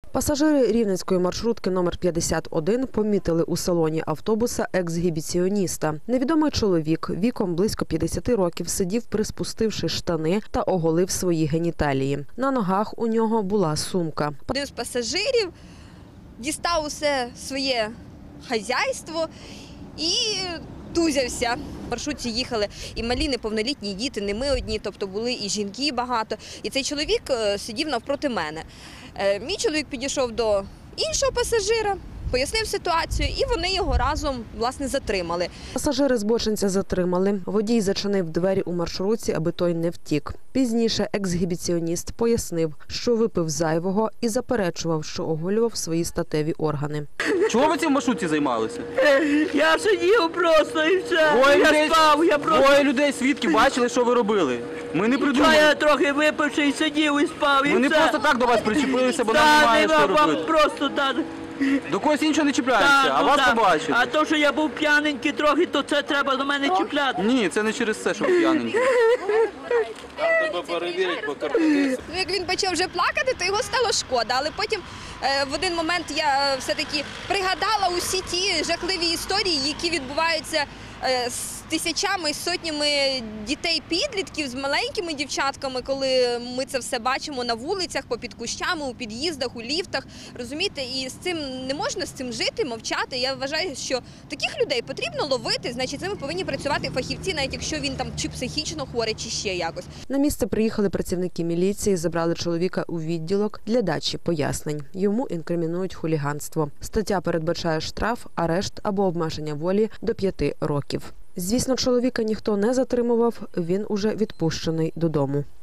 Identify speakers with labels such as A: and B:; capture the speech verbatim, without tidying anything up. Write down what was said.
A: Пасажири рівненської маршрутки номер п'ятдесят один помітили у салоні автобуса ексгібіціоніста. Невідомий чоловік віком близько п'ятдесят років сидів, приспустивши штани та оголив свої геніталії. На ногах у нього була сумка.
B: Один з пасажирів дістав усе своє хазяйство і тузявся. В маршрутці їхали і малі неповнолітні діти, не ми одні, тобто були і жінки багато. І цей чоловік сидів навпроти мене. Мій чоловік підійшов до іншого пасажира, пояснив ситуацію, і вони його разом, власне, затримали.
A: Пасажири збочинця затримали. Водій зачинив двері у маршрутці, аби той не втік. Пізніше ексгібіціоніст пояснив, що випив зайвого і заперечував, що оголював свої статеві органи.
C: Чого ви цим в маршрутці займалися?
D: Я сидів просто і все.
C: Двоє
D: я
C: людей,
D: спав, я просто...
C: Двоє людей, свідків, бачили, що ви робили. Ми не придумали.
D: Я трохи випивши і сидів і спав, і
C: Ми не
D: все.
C: просто так до вас причепилися, бо нам
D: Та,
C: немає
D: нема,
C: що
D: вам
C: робити.
D: просто так.
C: До когось іншого не чіпляємося,
D: Та,
C: а
D: ну,
C: вас
D: так.
C: побачили.
D: А то, що я був п'яненький трохи, то це треба до мене чіпляти.
C: Ні, це не через це, що ви п'яненькі.
E: Треба перевірити по картинці.
B: Ну, як він почав вже плакати, то його стало шкода. Але потім е, в один момент я все-таки пригадала усі ті жахливі історії, які відбуваються е, з тисячами, сотнями дітей-підлітків, з маленькими дівчатками, коли ми це все бачимо на вулицях, попід кущами, у під'їздах, у ліфтах. Розумієте, і з цим не можна з цим жити, мовчати. Я вважаю, що таких людей потрібно ловити, значить, з ними повинні працювати фахівці, навіть якщо він там чи психічно хворий, чи ще якось.
A: На місце приїхали працівники міліції, забрали чоловіка у відділок для дачі пояснень. Йому інкримінують хуліганство. Стаття передбачає штраф, арешт або обмеження волі до п'яти років. Звісно, чоловіка ніхто не затримував, він уже відпущений додому.